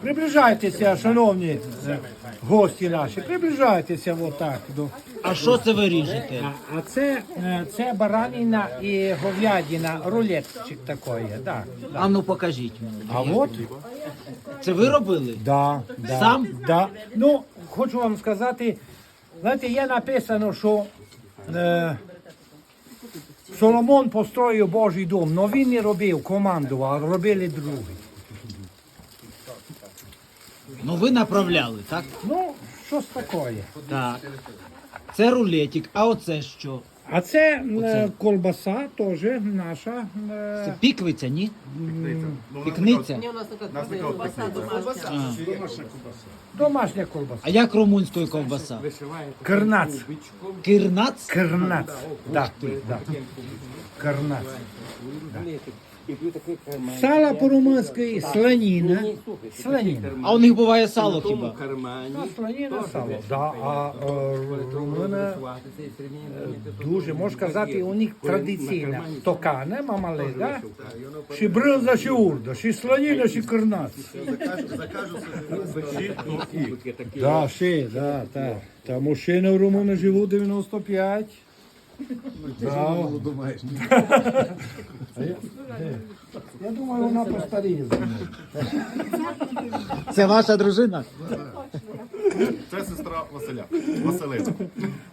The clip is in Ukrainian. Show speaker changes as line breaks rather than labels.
Приближайтеся, шановні гості наші, приближайтеся отак.
А що це ви ріжете?
А це баранина і говядина, рулетчик такий, да.
А ну покажіть мені.
А от,
Це ви робили?
да.
Сам?
Да. Ну, хочу вам сказати, знаєте, є написано, що Соломон построїв Божий дом, але він не робив, командував, а робили другі.
Ну ви направляли, так?
Ну, щось таке.
Так. Це рулетик, а оце що?
А це колбаса теж наша.
Це піквиця, ні? Пікниця?
Домашня колбаса.
А як румунською ковбаса?
Карнац.
Кирнац?
Карнац. Да, да. Карнац. Сало по-румунськи слоніна. Слоніна.
А у них буває сало хіба?
Слоніна сало. Да, а румуни дуже, можна сказати, у них традиційна. Токане, мамале, да? Ші бринза, ші урда, ші слоніна, ші карнац. Да, ші, да, так. Та мужчини в Румунії живуть 95. Да. Я думаю, вона постаріє за мною.
Це ваша дружина?
Це сестра Василя. Василицька.